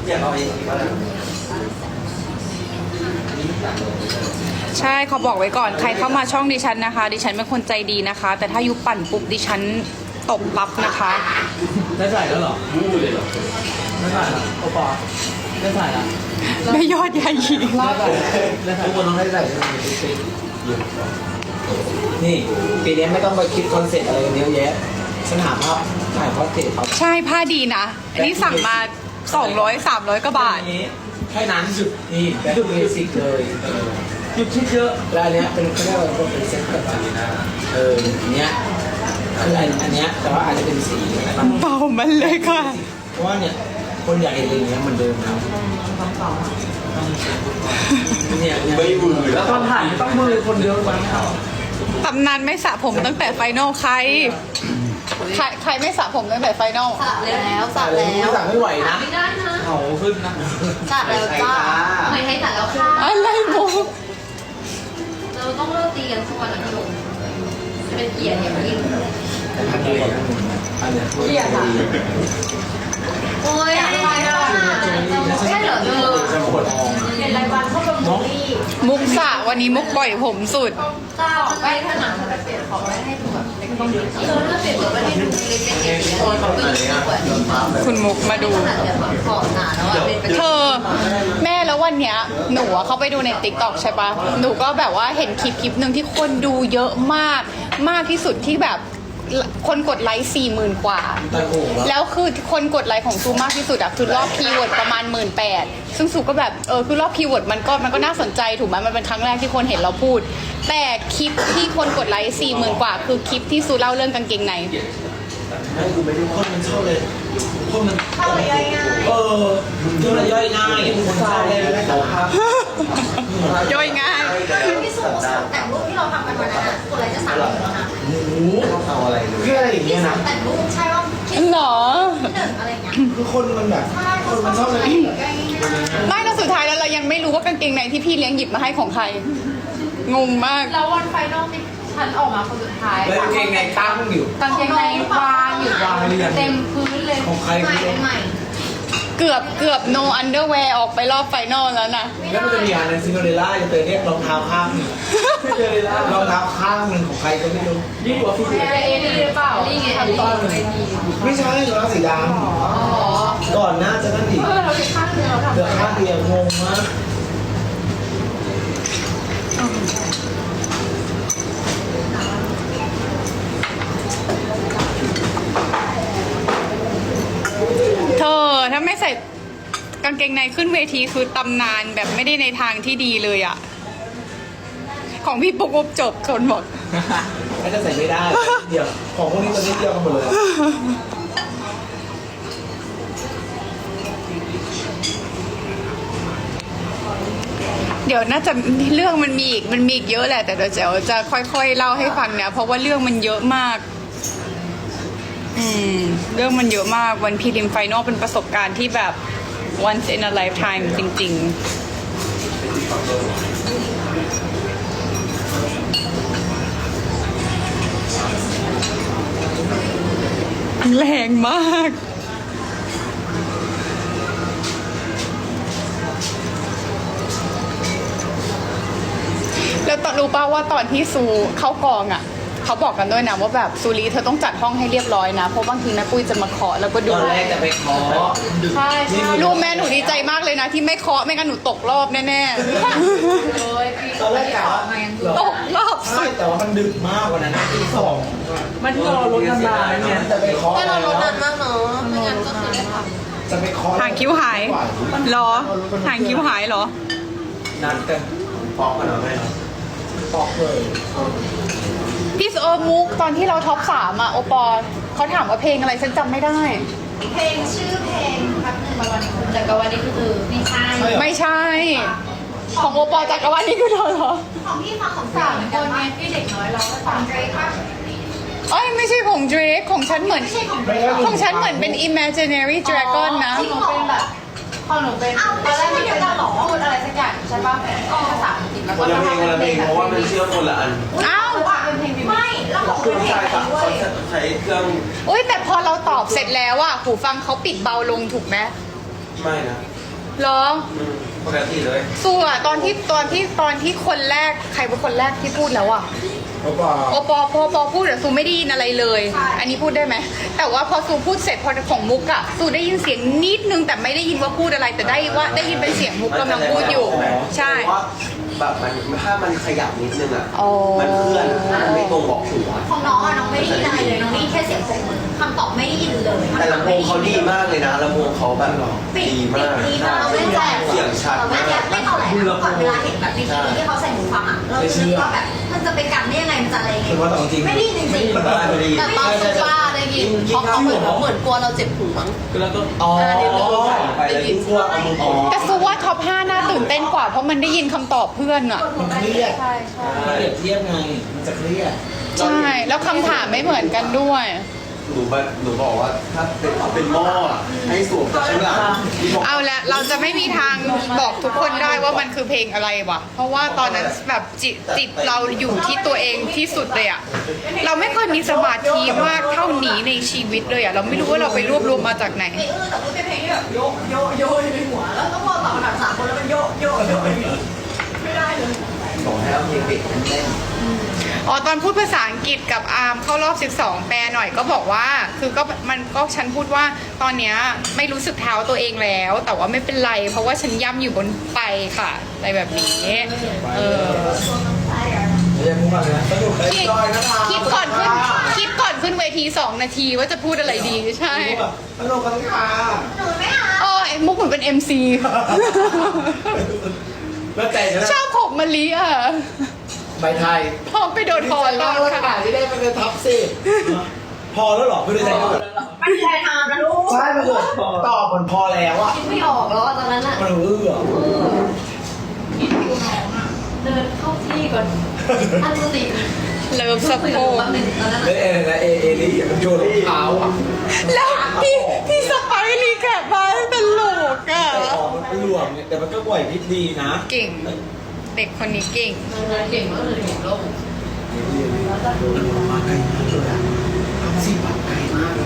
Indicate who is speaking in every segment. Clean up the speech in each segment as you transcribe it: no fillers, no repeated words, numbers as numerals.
Speaker 1: อยากเอาไอ้ที่ว่า
Speaker 2: ใช่เขาบอกไว้ก่อนใครเข้ามาช่องดิฉันนะคะ ดิฉันเป็นคนใจดีนะคะ แต่ถ้ายุปั่นปุ๊บดิฉันตบปั๊บนะคะ
Speaker 3: ได้ใส่แล้วเหรอมู้เลยเหรอได้ใส่แล้วโอปอได้ใส่แล้ว
Speaker 2: ไม่ยอดใหญ่หญิง
Speaker 3: ได้ใส่ได้ใส่
Speaker 1: ทุกคนต้องให้ใส่
Speaker 4: นี่ปีนี้ไม่ต้องไปคิดคอนเซ็ปต์อะไรกันเยอะแยะฉันหาภาพถ่ายพอร์เทรตเขา
Speaker 2: ใช่ผ้าดีนะ อันนี้สั่งมา200-300กว่าบาท
Speaker 4: แค่นั้นสุดนี่แบบเบสิกเลย
Speaker 3: หยุดคิดเยอะ
Speaker 4: แล้วอันเนี้ยเป็นเขาเรียกว่าเป็นเซ็ตแบบอันเนี้ยคืออันเนี้ยแต่ว่าอาจจะเป็นสีนะครับ
Speaker 2: เบามันเลยค่ะ
Speaker 4: เพราะว่าเนี่ยคนอยากเห็นอย่างเงี้ยเหมือนเดิมนะเนี่ย
Speaker 1: ไม่มือแล้ว
Speaker 3: ตอนถ่ายไม่ต้องมือคนเดียวมั้ง
Speaker 2: ตำนานไม่สระผมตั้งแต่ไฟนอลใครไม่สระผมตั้งแต่ไฟนอล
Speaker 5: สระแล้วสระ
Speaker 4: อะไร
Speaker 5: แล้ว
Speaker 4: สั่งไม่ไหวนะ
Speaker 5: ไม่ได้นะ
Speaker 3: เขาขึ้นนะ
Speaker 5: สระแล้วจ้าไม่ให้สระแล้วค่ะ
Speaker 2: อะไรมุก
Speaker 5: เราต้องเลิกตีกันทุกวันนะพี่หนุ่มจะเป็นเกียรติอย่างยิ่ง
Speaker 4: อันเนี้ยอันเนี้ย
Speaker 5: เกียรติค่ะโอ้ยอะไรอ่ะใช่เหรอเธอเป็นรายวันเข้าประมูลนี่
Speaker 2: มุกสระวันนี้มุกปล่อยผมสุด
Speaker 5: จ้าไม่ถนัดจะเปลี่ยนของไว้ให้ดูแบบเล็กๆถ้าเปลี่ยนแบบให้ดูเล็กๆอย่างนี้คนเขาก็ยิ่งสวย
Speaker 2: คุณมุกมาดู
Speaker 5: ขนาดแบบขอบหนาแล้วอ่ะเป็น
Speaker 2: เธอแม่แล้ววันเนี้ยหนูอะเข้าไปดูในติ๊กต็อกใช่ปะหนูก็แบบว่าเห็นคลิปหนึ่งที่คนดูเยอะมากมากที่สุดที่แบบคนกดไลค์40,000 กว่า
Speaker 4: ตะโกน
Speaker 2: แล้วคือคนกดไลค์ของซูมากที่สุดอะคือรอบคีย์เวิร์ดประมาณ18,000ซึ่งซูก็แบบคือรอบคีย์เวิร์ดมันก็น่าสนใจถูกไหมมันเป็นครั้งแรกที่คนเห็นเราพูด แต่คลิปที่คนกดไลค์40,000 กว่า คือคลิปที่ซูเล่าเรื่องกางเกงใน
Speaker 4: ให้กูไปดูคนมันชอบเลยคนมัน
Speaker 5: เข้าไปง่าย
Speaker 4: ดูมันย่อยง่ายคนชอบเลยแต่ว่า
Speaker 2: ย่อยง่าย
Speaker 5: ๆพี่สุแต่งรูปที่เราทำกันวันนั้นคนอะไรจะสั่งแล้วนะ
Speaker 4: โอ้โห
Speaker 1: เอาอะไรเลย
Speaker 4: คืออะไรอย่างเงี้ยนะ
Speaker 5: แต่งรูปใช่ว่าคิด
Speaker 2: หรอ
Speaker 5: ที่หนึ่งอะไรเงี้ย
Speaker 4: คือคนมันแบบ
Speaker 5: ใช่
Speaker 4: คนมันชอบเลย
Speaker 2: ไม่แล้วสุดท้ายแล้วเรายังไม่รู้ว่ากางเกงในที่พี่เลี้ยงหยิบมาให้ของใคร งงมาก
Speaker 6: แล้ววันไฟนอลที่ฉันออกมาคนสุดท้าย
Speaker 4: แล้วเกงไงตั้งอยู่
Speaker 6: กางเกงในวางอยู่เต็มพื้นเลย
Speaker 4: ของใคร
Speaker 5: ใหม่
Speaker 4: ไม่รู้
Speaker 5: ใหม่
Speaker 2: เกือบ no underwear ออกไปรอบไฟนอลแล้วนะ
Speaker 4: แล้วมันจะมีอันนึงซินโดเรลล่าจะเจอเนี่ยรองเท้าข้างหนึ่งรองเท้าข้างหนึ่งของใครก็ไม่รู้
Speaker 3: ยิ่งกว่าพี่
Speaker 6: อะไรเอนี่หรือเปล่า
Speaker 5: นี่ไง
Speaker 6: ทำตอนเวที
Speaker 4: ไม่ใช่รองเท้าสีดำก่อนหน้าจะนั่นอีก
Speaker 6: เราเป็นข้างเดียวเรา
Speaker 4: เดือดข้างเดียวงงมาก
Speaker 2: เธอถ้าไม่ใส่กางเกงในขึ้นเวทีคือตำนานแบบไม่ได้ในทางที่ดีเลยอะของพี่ปุ๊กปุ๊บจบคนหมด
Speaker 4: ไม่จะใส่ไม่ได้เดียวของพวกนี้ตัวนี้เดียวกันหมดเลย
Speaker 2: เดี๋ยวน่าจะเรื่องมันมีอีกเยอะแหละ แต่เดี๋ยวจะค่อยๆเล่าให้ฟังเนี่ยเพราะว่าเรื่องมันเยอะมาก เรื่องมันเยอะมากวันพรีลิมไฟนอลเป็นประสบการณ์ที่แบบ once in a lifetime จริงๆ แรงมาก แล้วตอนรู้ป่าวว่าตอนที่ซูเข้ากองอ่ะเขาบอกกันด้วยนะว่าแบบซูรีเธอต้องจัดห้องให้เรียบร้อยนะเพราะบางทีแม่ปุ้ยจะมาเคาะแล้วก็ดู
Speaker 4: ตอนแรกจะไปขอ
Speaker 6: ใช่ใช่
Speaker 2: รู้แม่หนูดีใจมากเลยนะที่ไม่เคาะไม่งั้นหนูตกรอบแน่
Speaker 6: เลยปี
Speaker 4: ตอนแรกกะว่า
Speaker 2: ๆตกรอบ
Speaker 4: ใช่แต่ว่ามันดึกมากกว่านั้นตีสอง
Speaker 3: มันที่เราลดน้ำตาลเนี่ย
Speaker 4: จะไปขอ
Speaker 5: แต่เราลดนานมากเนาะไม่งั้นก็คือได้ท
Speaker 4: จะไปขอ
Speaker 2: หางคิ้วหายเหรอหางคิ้วหายเหรอ
Speaker 4: นัดกัน
Speaker 1: ฟอกกันเอาไหม
Speaker 4: ปอกเลย
Speaker 2: พี่มุกตอนที่เราท็อป3อ่ะโอปอเขาถามว่าเพลงอะไรฉันจำไม่ได้
Speaker 5: ำเพลงชื่อเพลงแป๊บนึงวันนี้คือแต่ก็วันนี้คือไม่ใช่
Speaker 2: ไม่ใช่ ของโอปอจักรวาลนี่คือเธอเหรอ
Speaker 5: ของพี่ฟังของ
Speaker 6: สามคนไงที่เด็กน้อยเราก็
Speaker 5: ขอ
Speaker 6: ฟั
Speaker 5: ง
Speaker 6: ง
Speaker 5: เดรกป่ะ
Speaker 2: เอ้ยไม่ใช่ของ Drake ของฉันเหมือน
Speaker 5: ไม่ใช่ของเดรก
Speaker 2: ของฉันเหมือนเป็น Imaginary Dragon นะ
Speaker 6: หนูเป็นแบบพอหนูเป็นตอนแรกมันเป็นพูดอะไรสักอย่างใช่ป่ะภาษาอังกฤษแล้ว
Speaker 1: ค
Speaker 6: ก็
Speaker 1: นละเพลงคนละเพลงเพราะว่ามันเชื่อมคนละอัน
Speaker 2: อ้าว
Speaker 6: เป็นเพลงบิว
Speaker 5: ไม่แล้วของ
Speaker 1: เค
Speaker 5: เป็
Speaker 1: รื่อน ง
Speaker 5: เพลง
Speaker 1: ใช้
Speaker 5: ด้ว
Speaker 1: เขา
Speaker 5: ย
Speaker 1: ใช้เครื่อง
Speaker 2: อุ้ยแต่พอเราตอบเสร็จแล้วอะหูฟังเขาปิดเบาลงถูกไหม
Speaker 1: ไม่นะ
Speaker 2: เหรอ
Speaker 1: ปกติเลย
Speaker 2: สู้อะตอนที่คนแรกใครเป็นคนแรกที่พูดแล้วอะ
Speaker 4: โอปอ
Speaker 2: โอปอพูดแต่ซูไม่ได้ยินอะไรเลย อันนี้พูดได้ไหมแต่ว่าพอซูพูดเสร็จพอของมุกอะซูได้ยินเสียงนิดนึงแต่ไม่ได้ยินว่าพูดอะไรแต่ได้ยินเป็นเสียงมุกกำลังพูดอยู่ ใช่
Speaker 1: เพราะว่าแบบมันถ้ามันขยับนิดนึงอ่ะ
Speaker 2: อ๋อ
Speaker 1: มันเคลื่อนถ้ามันไม่ตรงบอกถูกอ่ะ
Speaker 5: ของน้องอะน้องไม่ได้ยินอะไรเลยน้องได้ยินแค่เสียงปรบมือคำตอบไม่ได้ยินเลย
Speaker 1: แต่ลำโพงเขาดีมากเลยนะลำโพงเขาแบบ
Speaker 5: ปิด
Speaker 1: ดีมาก
Speaker 5: ดีมากเราไม่แจก
Speaker 1: เสียงชัด
Speaker 5: เราไม่
Speaker 1: มาก
Speaker 5: แจกไม่เท่าไหร่นะก่อนเวลาเห็นแบบในทีวีที่เขาใส่หูฟังอะเราจะคิดว่าแบบมันจะไปกันได้ยังไงมันจะอะไรยังไง
Speaker 4: คือว่าแต่จริง
Speaker 5: ไม่ได้ยินจริง
Speaker 1: ไม่ได้
Speaker 6: แต่ตอนซูป้าได้ยินเพราะเขาเหมือนกลัวเราเจ็บหูมั้ง
Speaker 3: แล้วก็
Speaker 4: อ๋อ
Speaker 1: ไปแล้วยิ่งกลัวเอามือออก
Speaker 2: แต่ซูว่าท็อป 5 น่าตื่นเต้นกว่าเพราะมันได้ยินคำตอบเพื่อนอะ
Speaker 4: มันเครียดมันเปรียบเทียบไงมันจะเครียด
Speaker 2: ใช่แล้วคำถามไม่เหมือนกันด้วย
Speaker 1: หนูบอกว่าถ้าเป็นหม้ออะให้สวมจากข้างหลัง
Speaker 2: เอาละเราจะไม่มีทางบอกทุกคนได้ว่ามันคือเพลงอะไรวะเพราะว่าตอนนั้นแบบจิตเราอยู่ที่ตัวเองที่สุดเลยอะเราไม่เคยมีสมาธิมากเท่านี้ในชีวิตเลยอะเราไม่รู้ว่าเราไปรวบรวมมาจากไหน
Speaker 5: ๆแต่พูดเป็นเพลงที่แบบโยโยโยอยู่ในหัวแล้วต้องรอตอบคำถาม3 คนแล้วมันโยโยโยไม่ได้เลย
Speaker 1: บอกให้เอาเพลงเด็กเล่น
Speaker 2: อ๋อตอนพูดภาษาอังกฤษกับอาร์มเข้ารอบ 12 แปลหน่อยก็บอกว่า คือก็มันก็ฉันพูดว่าตอนเนี้ยไม่รู้สึกเท้าตัวเองแล้ว แต่ว่าไม่เป็นไร เพราะว่าฉันย่ำอยู่บนไปค่ะอะไรแบบนี้เออ
Speaker 4: ไม่ใช่พูดมาเลยนะสนุกเลย
Speaker 2: คิด
Speaker 4: จอยนะคะ
Speaker 2: คิดก่อนขึ้นเวที 2 นาทีว่าจะพูดอะไรดีใช่
Speaker 4: สนุกกันค่ะ
Speaker 5: หนูไม่เอา
Speaker 2: อ๋อไอ้มุกเหมือนเป็น MC
Speaker 4: แล้วใจฉัน
Speaker 2: ชอบผมมะลิอ่ะ
Speaker 4: ใบไทย
Speaker 2: พอไปโดนคอตอนค่ะ
Speaker 4: ที่ได้ไปเป็นท็อปสิพอแล้วหรอไม่ได้ใจก็
Speaker 5: ไม่มีใครทำนะลูก
Speaker 4: ใช่มันเกิดตอบมันพอแล้วอ่ะ
Speaker 6: คิดไม่ออกแล้วอะตอนนั้นอะ
Speaker 4: มันเอื้อ
Speaker 6: เดินเข้าที่ก่อนอันสติ
Speaker 2: เลิฟสะโพก
Speaker 6: แป๊บนึงตอนนั้น
Speaker 4: แล้วเอนะเอลี่มันโยนรองเท้าอ่ะ
Speaker 2: แล้วพี่สไปรีแคปมาตลกอ่ะ
Speaker 4: แต่ออกมันหลวมเนี่ยแต่มันก็ไหวพริบดีนะ
Speaker 2: เก่ง เด็กคนนี้เก่ง
Speaker 6: เก่งมากเลยเก่งโลก
Speaker 4: มาไกลมากเลยอ่ะทำสิแบบไกลมากเลย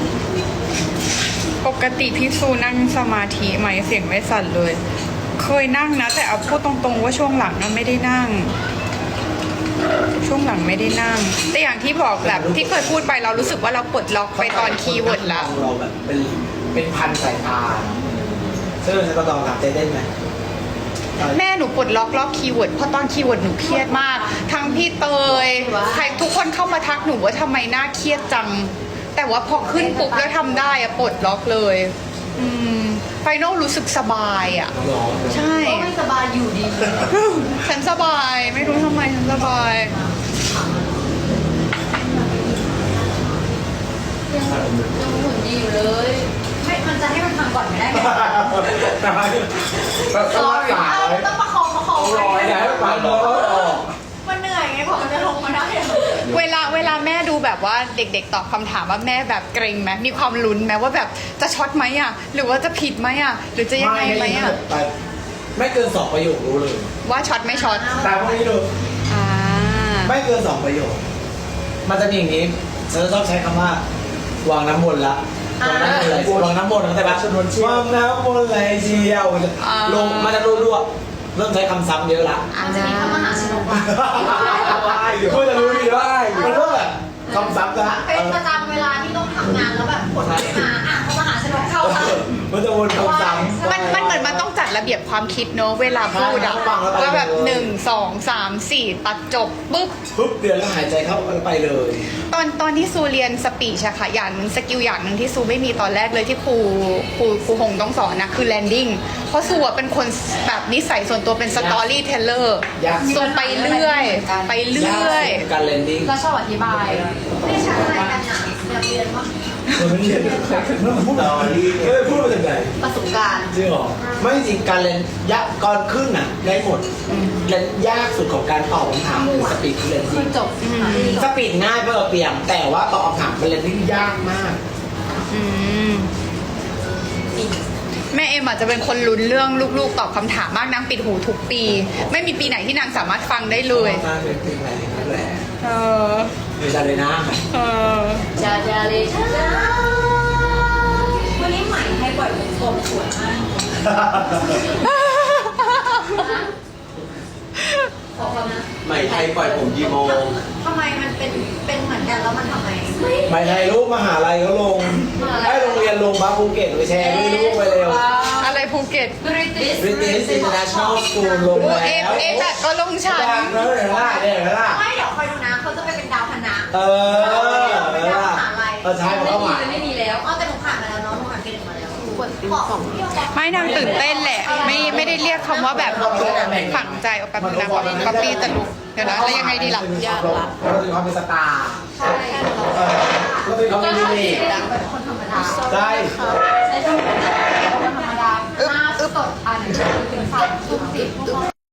Speaker 2: ปกติพี่ซูนั่งสมาธิไหมเสียงไม่สั่นเลย เคยนั่งนะ แต่เอาพูดตรงๆว่าช่วงหลังนะไม่ได้นั่ง ช่วงหลังไม่ได้นั่ง แต่อย่างที่บอกแบบที่เคยพูดไปเรารู้สึกว่าเราปลดล็อกไปตอนคีย์เวิร์ดแล้ว
Speaker 4: เราแบบเป็นพันสายตาซึ่งเราจะต้องถามเต้นไหม
Speaker 2: แม่หนูปลดล็อกรอบคีย์เวิร์ดเพราะตอนคีย์เวิร์ดหนูเครียดมาก ทั้งพี่เตยใครทุกคนเข้ามาทักหนูว่าทำไมหน้าเครียดจัง แต่ว่าพอขึ้นปุ๊บแล้วทำได้อะปลดล็อกเลยไฟนอลรู้สึกสบายอะ
Speaker 4: หรอ
Speaker 2: ใช่
Speaker 6: ก็ไม่สบายอยู่ดี
Speaker 2: ฉันสบายไม่รู้ทำไมฉันสบาย
Speaker 6: ยังหุ่นดีอยู่เลย
Speaker 5: ไม่มันจะให้มันทำก่อนไม่ได้ไหม
Speaker 4: sorry
Speaker 5: ต้องประคองประคอง
Speaker 4: รอยนะปากรอยออก
Speaker 5: มันเหนื่อยไงพอมันจะลงมาได้อะ
Speaker 2: เวลาแม่ดูแบบว่าเด็กๆตอบคำถามว่าแม่แบบเกรงไหมมีความลุ้นไหมว่าแบบจะช็อตไหมอ่ะหรือว่าจะผิดไหมอ่ะหรือจะยังไงไหมอ่ะ
Speaker 4: ไม่เกิน2ประโยครู้เลย
Speaker 2: ว่าช็อตไม่ช็อต
Speaker 4: แต่พวกนี้ดู
Speaker 2: อ่า
Speaker 4: ไม่เกิน2ประโยค มันจะมีอย่างนี้ฉันจะชอบใช้คำว่าวางน้ำมนต์ละวางน้ำมนต์เข้าใจปะวางน้ำมนต์ไหลเชียวลงมันจะรัวๆเริ่มใช้คำซ้ำเยอะละ
Speaker 5: อาจจะมีพระมหาชนกว่า
Speaker 4: เพื่อจะรู้ดีว่ามันก็แบบคำซ้ำนะ
Speaker 5: เป็นประจำเวลาที่ต้องทำงานแล้วแบบผลไม่มาอ่ะพระมหาชนกเข้าค่ะ
Speaker 4: มันจะวนคำซ้ำ
Speaker 2: มันเหมือนมันต้องจัดระเบียบความคิดเนอะเวลาพูดอะ
Speaker 4: ใช่ฟังแล้วไปเลย
Speaker 2: ว่าแบบ1 2 3 4ตัดจบปุ๊บ
Speaker 4: ปุ๊บเดือนแล้วหายใจเข้าไปเลย
Speaker 2: ตอนที่ซูเรียนสปีชอะค่ะอย่างหนึ่งสกิลอย่างหนึ่งที่ซูไม่มีตอนแรกเลยที่ครูหงต้องสอนนะคือแลนดิ้งเพราะซูอะเป็นคนแบบนิสัยส่วนตัวเป็นสตอรี่เทเลอร์ซูไปเรื่อยไปเรื่อย
Speaker 4: การเลนดิ้ง
Speaker 6: เราชอบอธิบาย
Speaker 5: ไม่ใช่อะไรกันอ่ะอยากเรียนว่า
Speaker 4: มันไม่เรียนมันพูดพูดมาจากไหน
Speaker 6: ประสบการณ์
Speaker 4: จริงเหรอไม่จริงการเรียนยากก่อนขึ้นน่ะได้หมดเรียนยากสุดของการตอบคำถามคือสปีดเรียน
Speaker 6: คือจบ
Speaker 4: สปีดง่ายเพื่อเปลี่ยนแต่ว่าตอบคำถามเป็นเรียนที่ยากมาก
Speaker 2: แม่เอ็มอาจจะเป็นคนลุ้นเรื่องลูกๆตอบคำถามมากนางปิดหูทุกปี ไม่มีปีไหนที่นางสามารถฟังได้เลย
Speaker 4: น่าเป็นเพลงอะไรนั่นแหละ
Speaker 2: เออ
Speaker 4: เวลาเลยนะ
Speaker 2: เออ
Speaker 6: จาจาเลย
Speaker 5: วันนี้ใหม่ให้ปล่อยผมสวยมากขอก่อนนะ
Speaker 1: ใหม่ไทยปล่อยผมกี่โมง
Speaker 5: ทำไมมันเป็นเหมือนกันแล้วมันทำไม
Speaker 4: ไม่ไทยลูกมหาลัยเขาลงให้โรงเรียนลงบ้าภูเก็ตไปแชร์ด้วยลูกไปเร็ว
Speaker 2: อะไรภูเก็ต
Speaker 4: British International School ลง
Speaker 2: โอ้
Speaker 4: แล้ว
Speaker 2: เอฟแบบก็ลงฉัน
Speaker 4: แล้วเห็นไหมล่ะเนี่ยเห็นไหมล่ะ
Speaker 5: ไม่เดี๋ยวคอยดูนะเขาจะไปเป็นดาวคณะ
Speaker 4: เออเห็นไหมล่ะใช่เขาหมาย
Speaker 5: ไม่มีแล้วอ๋อแต่หนูผ่านมาแล้วเนาะหนูผ่านเกณฑ์มาแล้วบอก
Speaker 2: ไม่นางตื่นเต้นแหละ ไม่ได้เรียกคำว่าแบบฝังใจเอาแป๊บนึงนะก๊อปปี้แต่ลุกเดี๋ยวนะแล้วยังไงดีล่ะยากละ
Speaker 4: เราถึงความเป็นสตาร์
Speaker 5: ใช่
Speaker 4: เราถึงความเป็นยูนิค
Speaker 5: เป็นคนธรรมดา
Speaker 4: ใช่
Speaker 6: ใช้ช่วงคนธรรมดาหน้าสดอันถึง3 ทุ่ม 10